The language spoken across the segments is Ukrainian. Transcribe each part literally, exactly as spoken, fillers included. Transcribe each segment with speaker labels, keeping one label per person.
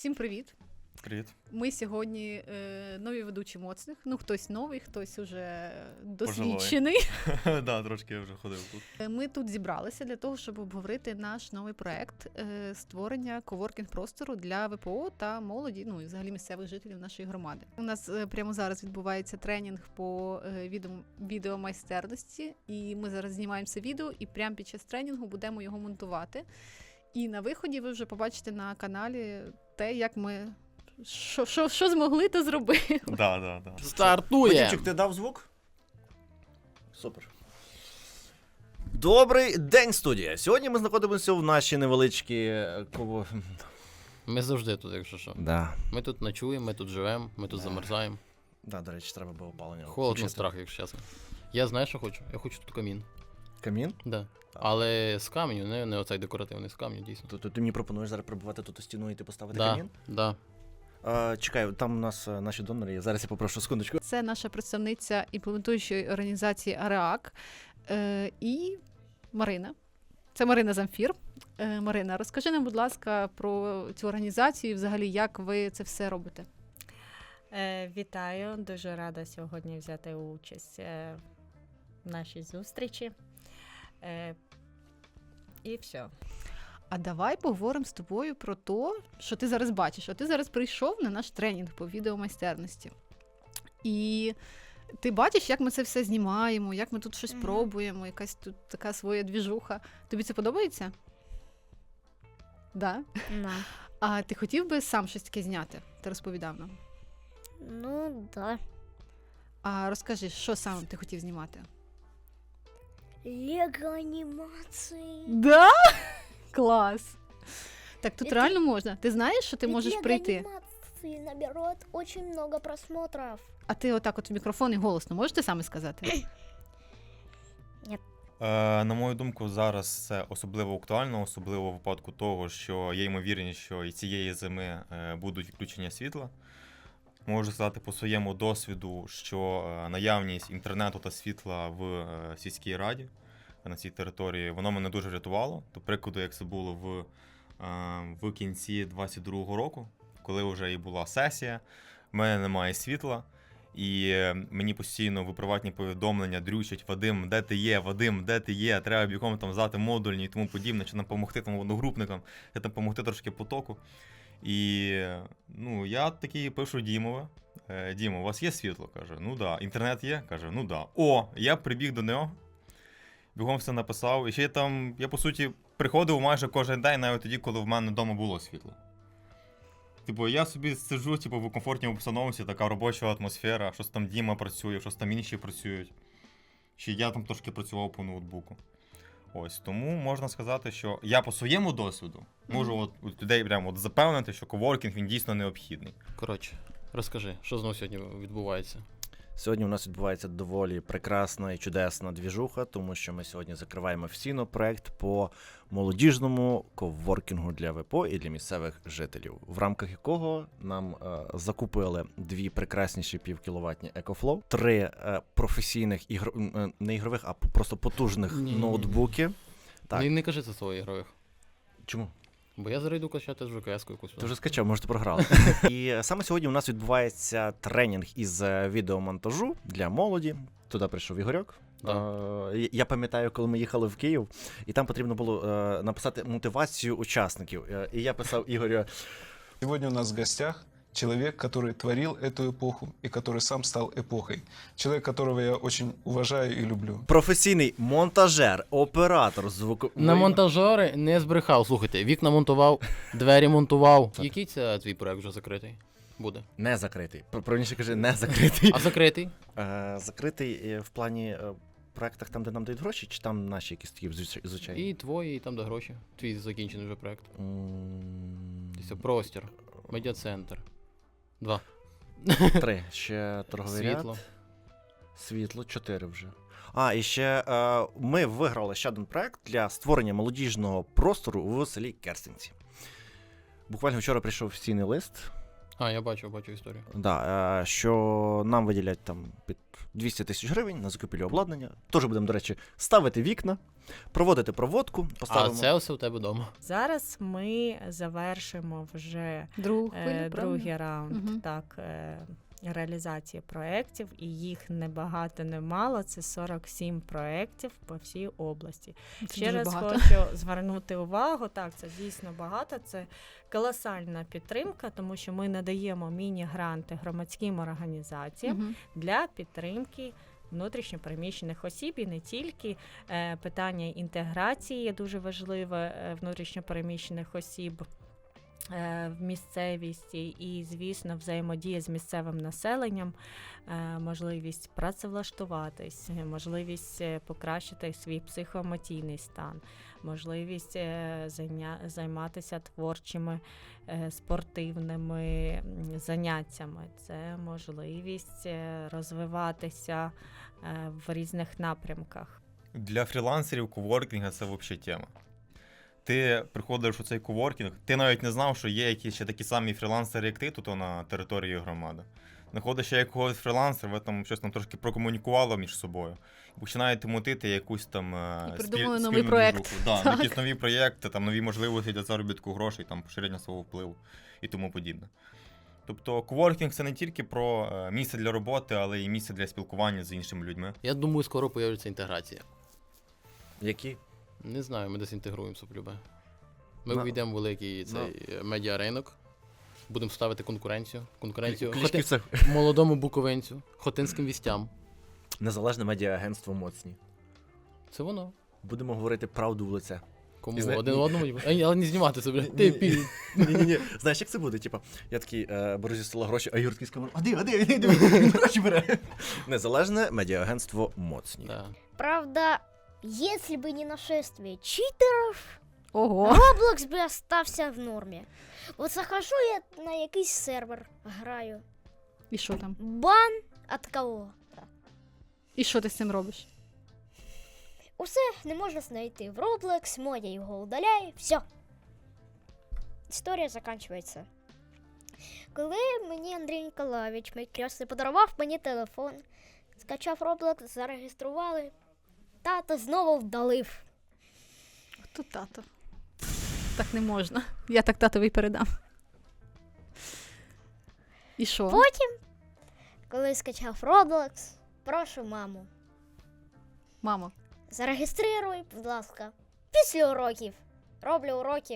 Speaker 1: Всім привіт!
Speaker 2: Привіт.
Speaker 1: Ми сьогодні е, нові ведучі моцних. Ну, хтось новий, хтось уже досвідчений.
Speaker 2: Так, трошки я вже ходив тут.
Speaker 1: Ми тут зібралися для того, щоб обговорити наш новий проект е, створення коворкінг-простору для ВПО та молоді, ну і взагалі місцевих жителів нашої громади. У нас е, прямо зараз відбувається тренінг по е, відео, відеомайстерності, і ми зараз знімаємося відео, і прямо під час тренінгу будемо його монтувати. І на виході ви вже побачите на каналі те, як ми Що, що, що змогли, то зробили.
Speaker 2: Да, да, да.
Speaker 3: Стартує!
Speaker 4: Вадимчик, ти дав звук? Супер. Добрий день, студія! Сьогодні ми знаходимося в нашій невеличкій... Кого...
Speaker 3: Ми завжди тут, якщо що.
Speaker 4: Да.
Speaker 3: Ми тут ночуємо, ми тут живемо, ми тут
Speaker 4: Да.
Speaker 3: замерзаємо.
Speaker 4: Да, до речі, треба було опалення.
Speaker 3: Холодно,
Speaker 4: Чисто.
Speaker 3: страх, якщо чесно. Я знаю, що хочу. Я хочу тут камін.
Speaker 4: Камін?
Speaker 3: Да. Але з каменю, не, не оцей декоративний, з каменю, дійсно.
Speaker 4: То, то ти мені пропонуєш зараз прибувати тут стіну і ти поставити
Speaker 3: Да,
Speaker 4: камін?
Speaker 3: да.
Speaker 4: А, чекай, там у нас а, наші донори є. Зараз я попрошу секундочку.
Speaker 1: Це наша представниця імплементуючої організації АРЕАК е, і Марина. Це Марина Замфір. Е, Марина, розкажи нам, будь ласка, про цю організацію і взагалі, як ви це все робите.
Speaker 5: Е, вітаю, дуже рада сьогодні взяти участь е, в нашій зустрічі. Е, і все.
Speaker 1: А давай поговоримо з тобою про те, що ти зараз бачиш. А ти зараз прийшов на наш тренінг по відеомайстерності. І ти бачиш, як ми це все знімаємо, як ми тут щось
Speaker 5: Мгм.
Speaker 1: пробуємо, якась тут така своя двіжуха. Тобі це подобається? Да?
Speaker 5: Ну,
Speaker 1: А ти хотів би сам щось таке зняти? Ти розповідав нам.
Speaker 6: Ну, да.
Speaker 1: А розкажи, що саме ти хотів знімати?
Speaker 6: Лего-анимации.
Speaker 1: Да? Клас! Так тут
Speaker 6: Это-
Speaker 1: реально можна. Ти знаєш, що ти
Speaker 6: Ведь
Speaker 1: можеш прийти?
Speaker 6: Лего-анимации наберет очень много просмотров.
Speaker 1: А ти отак от в мікрофон і голосно можеш ти саме сказати?
Speaker 2: Е, на мою думку, зараз це особливо актуально, особливо в випадку того, що є ймовірність, що і цієї зими е, будуть відключення світла. Можу сказати по своєму досвіду, що е, наявність інтернету та світла в е, сільській раді на цій території, воно мене дуже врятувало. До прикладу, як це було в, е, в кінці двадцять другого року, коли вже і була сесія, в мене немає світла. І е, мені постійно в приватні повідомлення дрючать: Вадим, де ти є? Вадим, де ти є? Треба бігом там здати модульні і тому подібне, чи нам допомогти там одногрупникам, чи там допомогти трошки потоку. І е, ну, я такий пишу Дімове. Е, Дімо, у вас є світло? Каже, ну да. Інтернет є? Каже, ну да. О, я прибіг до нього, бігом все написав. І ще я там, я по суті приходив майже кожен день, навіть тоді, коли в мене вдома було світло. Типу, я собі сиджу, типу, в комфортній обстановці, така робоча атмосфера, щось там Діма працює, щось там інші працюють. Ще я там трошки працював по ноутбуку. Ось, тому можна сказати, що я по своєму досвіду можу от, от людей прямо от запевнити, що коворкінг, він дійсно необхідний.
Speaker 3: Коротше, розкажи, що знову сьогодні відбувається?
Speaker 4: Сьогодні у нас відбувається доволі прекрасна і чудесна двіжуха, тому що ми сьогодні закриваємо офіційно проект по молодіжному коворкінгу для ВПО і для місцевих жителів, в рамках якого нам е, закупили дві прекрасніші півкіловатні EcoFlow, три е, професійних ігр... е, не ігрових, а просто потужних
Speaker 3: Ні.
Speaker 4: ноутбуки. Так.
Speaker 3: Не, не кажи це слово ігрових.
Speaker 4: Чому?
Speaker 3: Бо я зараз йду качати ж ВКС-ку якусь.
Speaker 4: Ти вже скачав, може ти програли. І саме сьогодні у нас відбувається тренінг із е, відеомонтажу для молоді. Туди прийшов Ігорьок.
Speaker 3: Да.
Speaker 4: Е, Я пам'ятаю, коли ми їхали в Київ, і там потрібно було е, написати мотивацію учасників. Е, І я писав Ігорю:
Speaker 7: Сегодня у нас в гостях человек, который творил эту эпоху и который сам стал эпохой. Человек, которого я очень уважаю и люблю.
Speaker 4: професійний монтажер, оператор звуку.
Speaker 3: На монтажери не збрехав. Слухайте, вікна монтував, двері монтував. Який це твій проект вже закритий буде?
Speaker 4: Не закритий. Про- Правильніше кажи, не закритий.
Speaker 3: А закритий?
Speaker 4: Е, Закритий е, в плані е, проектах там, де нам дають гроші, чи там наші якісь такі звичай- звичайні?
Speaker 3: І твої, і там де гроші. Твій закінчений вже проект.
Speaker 4: М,
Speaker 3: Це простір, медіа-центр. Два.
Speaker 4: Три. Ще торговий ряд.
Speaker 3: Світло.
Speaker 4: Світло, чотири вже. А, і ще е, ми виграли ще один проект для створення молодіжного простору в селі Керстинці. Буквально вчора прийшов офіційний лист
Speaker 3: А, я бачу, бачу історію.
Speaker 4: Да, е, що нам виділять там під двісті тисяч гривень на закупівлю обладнання. Теж будемо, до речі, ставити вікна, проводити проводку,
Speaker 3: А
Speaker 4: поставимо.
Speaker 3: це все у тебе вдома.
Speaker 5: Зараз ми завершимо вже
Speaker 1: Другу
Speaker 5: е,
Speaker 1: хвилю, правильно?
Speaker 5: другий раунд
Speaker 1: Мгм.
Speaker 5: так, е, реалізації проєктів, і їх не багато, не мало. Це сорок сім проєктів по всій області.
Speaker 1: Це
Speaker 5: Ще
Speaker 1: дуже
Speaker 5: раз
Speaker 1: багато.
Speaker 5: хочу звернути увагу, так, це дійсно багато, це колосальна підтримка, тому що ми надаємо міні-гранти громадським організаціям
Speaker 1: Мгм.
Speaker 5: для підтримки внутрішньопереміщених осіб, і не тільки е, питання інтеграції є дуже важливе е, внутрішньопереміщених осіб е, в місцевісті, і, звісно, взаємодія з місцевим населенням, е, можливість працевлаштуватись, е, можливість е, покращити свій психоемоційний стан, можливість е, зайня- займатися творчими е, спортивними м, заняттями. Це можливість е, розвиватися е, в різних напрямках.
Speaker 2: Для фрілансерів коворкінга це взагалі тема. Ти приходиш у цей коворкінг, ти навіть не знав, що є якісь ще такі самі фрілансери, як ти, тут на території громади. Знаходиш ще якогось фрілансера, ви там щось там трошки прокомунікували між собою. І починаєте мутити якусь там е,
Speaker 1: І придумали
Speaker 2: спіль-
Speaker 1: новий
Speaker 2: спільну
Speaker 1: проект.
Speaker 2: двіжуху. Да,
Speaker 1: Так.
Speaker 2: якісь нові проєкти, там нові можливості для заробітку грошей, там поширення свого впливу і тому подібне. Тобто коворкінг це не тільки про е, місце для роботи, але й місце для спілкування з іншими людьми.
Speaker 3: Я думаю, скоро появиться інтеграція.
Speaker 4: Які?
Speaker 3: Не знаю, ми десь інтегруємося полюбе. Ми
Speaker 4: На-
Speaker 3: ввійдемо в великий цей е, медіаринок, будемо ставити конкуренцію. Конкуренцію
Speaker 4: Клички
Speaker 3: Хоти-
Speaker 4: це
Speaker 3: молодому буковинцю, хотинським вістям.
Speaker 4: незалежне медіаагентство моцні.
Speaker 3: Це воно.
Speaker 4: Будемо говорити правду в лице.
Speaker 3: Кому
Speaker 4: І зна-
Speaker 3: один
Speaker 4: ні.
Speaker 3: одному, Ай, але не знімати це, бля.
Speaker 4: Ні,
Speaker 3: Ти
Speaker 4: ні,
Speaker 3: пі.
Speaker 4: Ні-ні-ні. Знаєш, як це буде? Типа, я такий е, беру зі стола гроші, а Юр такий з камерою, а де, а де, а де, де, він гроші бере. Незалежне медіаагентство моцні.
Speaker 3: Да.
Speaker 6: Правда, если бы не нашествие читеров,
Speaker 1: Ого.
Speaker 6: Roblox бы остався в нормі. От захожу я на якийсь сервер, граю.
Speaker 1: І що там?
Speaker 6: Бан от кого?
Speaker 1: І що ти з цим робиш?
Speaker 6: Усе не можна знайти в Roblox, Модя його удаляє, все. Історія закінчується. Коли мені Андрій Ніколаєвич, мій крестний, подарував мені телефон, скачав Roblox, зареєстрували, тато знову вдалив.
Speaker 1: Хто тато? Так не можна. Я так татові передам. І що?
Speaker 6: Потім, коли скачав Roblox, прошу маму,
Speaker 1: Мамо,
Speaker 6: зареєструй, будь ласка, після уроків. Роблю уроки.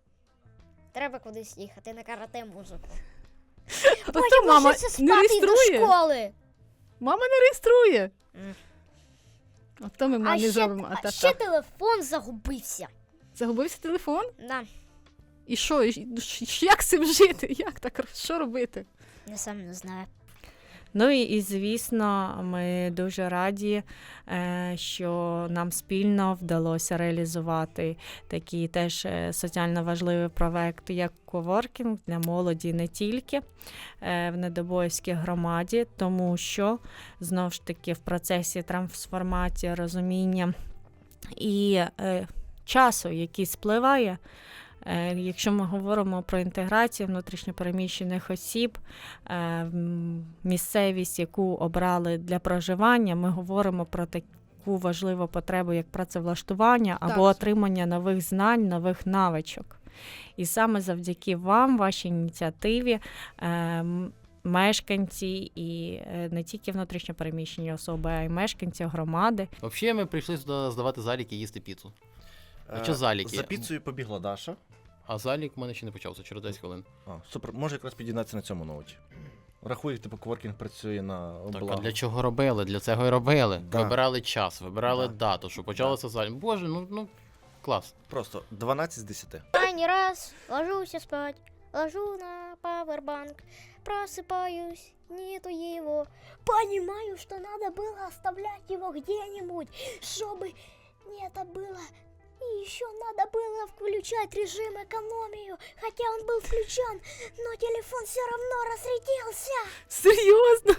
Speaker 6: Треба кудись їхати на карате музику.
Speaker 1: то
Speaker 6: Потім
Speaker 1: мама
Speaker 6: ложиться
Speaker 1: не
Speaker 6: спати до
Speaker 1: реєструє.
Speaker 6: школи.
Speaker 1: Мама не реєструє.
Speaker 6: М.
Speaker 1: От то ми
Speaker 6: А
Speaker 1: мамі
Speaker 6: ще,
Speaker 1: зробимо. А
Speaker 6: а
Speaker 1: та,
Speaker 6: ще
Speaker 1: та.
Speaker 6: телефон загубився.
Speaker 1: Загубився телефон?
Speaker 6: Да,
Speaker 1: І що? І ш- ш- Як з цим жити? Як так? Що робити?
Speaker 6: я сам не знаю.
Speaker 5: Ну і, і звісно, ми дуже раді, е, що нам спільно вдалося реалізувати такий теж е, соціально важливий проект, як коворкінг для молоді не тільки е, в Недобоївській громаді, тому що, знову ж таки, в процесі трансформації, розуміння і е, часу, який спливає, Е, Якщо ми говоримо про інтеграцію внутрішньопереміщених осіб, е, м, місцевість, яку обрали для проживання, ми говоримо про таку важливу потребу, як працевлаштування або
Speaker 1: Так.
Speaker 5: отримання нових знань, нових навичок. І саме завдяки вам, вашій ініціативі, е, м, мешканці і е, не тільки внутрішньопереміщені особи, а й мешканці громади
Speaker 3: Взагалі ми прийшли сюди здавати заліки і їсти піцу. А що заліки?
Speaker 4: За піцею побігла Даша.
Speaker 3: А залік в мене ще не почався, через десять хвилин.
Speaker 4: А, супер, може якраз під'єднатися на цьому ноуті. Рахуй, типу, коворкінг працює на
Speaker 3: Так,
Speaker 4: благо.
Speaker 3: а для чого робили? Для цього і робили.
Speaker 4: Да.
Speaker 3: Вибирали час, вибирали
Speaker 4: Да.
Speaker 3: дату, щоб почалося залік. Боже, ну, ну клас.
Speaker 4: Просто дванадцять з десяти.
Speaker 6: Крайний раз ложусь спать, ложу на пауэрбанк, просыпаюсь, нету его. Понимаю, что надо было оставлять его где-нибудь, чтобы не это было. И еще надо было включать режим экономию, хотя он был включен, но телефон все равно разрядился.
Speaker 1: Серйозно?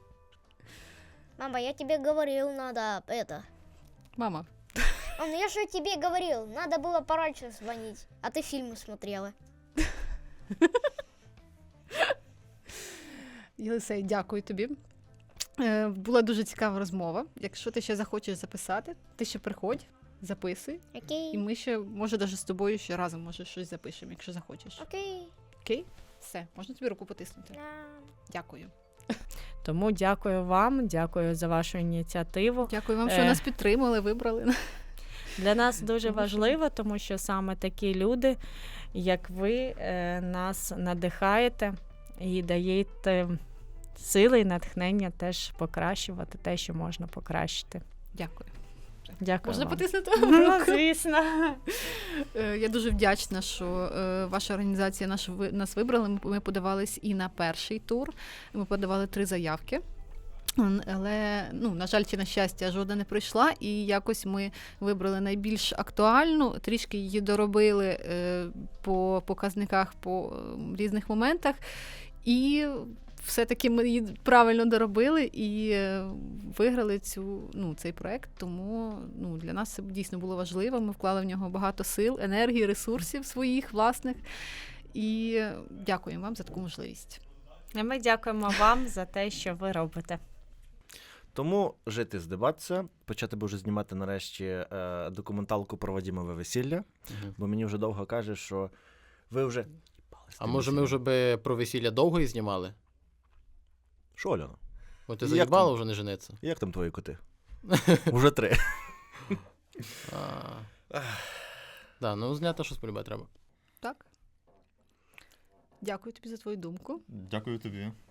Speaker 6: Мама, я тебе говорил, надо это.
Speaker 1: Мама,
Speaker 6: Мам, я же тебе говорил, надо было пораньше звонить, а ты фильмы смотрела.
Speaker 1: Єлисей, дякую тобі. Е, Була дуже цікава розмова. Якщо ти ще захочеш записати, ти ще приходь, записуй.
Speaker 6: Окей.
Speaker 1: І ми ще, може, навіть з тобою ще разом може щось запишемо, якщо захочеш.
Speaker 6: Окей.
Speaker 1: Окей? Все, можна тобі руку потиснути.
Speaker 6: Да.
Speaker 1: Дякую.
Speaker 5: Тому дякую вам, дякую за вашу ініціативу.
Speaker 1: Дякую вам, що
Speaker 5: Е.
Speaker 1: нас підтримали, вибрали.
Speaker 5: Для нас дуже
Speaker 1: Тому що-
Speaker 5: важливо, тому що саме такі люди, як ви, е, нас надихаєте і даєте сили і натхнення теж покращувати те, що можна покращити.
Speaker 1: Дякую.
Speaker 5: Дякую
Speaker 1: Можна
Speaker 5: вам.
Speaker 1: потиснути
Speaker 5: Ну,
Speaker 1: руку?
Speaker 5: звісно.
Speaker 1: Е, Я дуже вдячна, що е, ваша організація наш, ви- нас вибрала. Ми, ми подавались і на перший тур. Ми подавали три заявки. М, Але, ну, на жаль, чи на щастя, жодна не прийшла, і якось ми вибрали найбільш актуальну, трішки її доробили е, по показниках, по е, різних моментах, і все-таки ми її правильно доробили і е, виграли цю, ну, цей проект, тому ну, для нас це дійсно було важливо. Ми вклали в нього багато сил, енергії, ресурсів своїх власних, і дякуємо вам за таку можливість.
Speaker 5: І ми дякуємо вам за те, що ви робите.
Speaker 4: Тому жити, здибатися, почати би вже знімати нарешті е, документалку про Вадімове весілля,
Speaker 3: Мгм.
Speaker 4: бо мені вже довго каже, що ви вже...
Speaker 3: А може ми вже би про весілля довго і знімали?
Speaker 4: Що, Альона?
Speaker 3: Бо ти
Speaker 4: Як
Speaker 3: заїбала
Speaker 4: там?
Speaker 3: вже не жениться.
Speaker 4: Як там твої коти? Уже три.
Speaker 3: А. Да, ну зняти щось полюбе треба.
Speaker 1: Так? Дякую тобі за твою думку.
Speaker 2: Дякую тобі.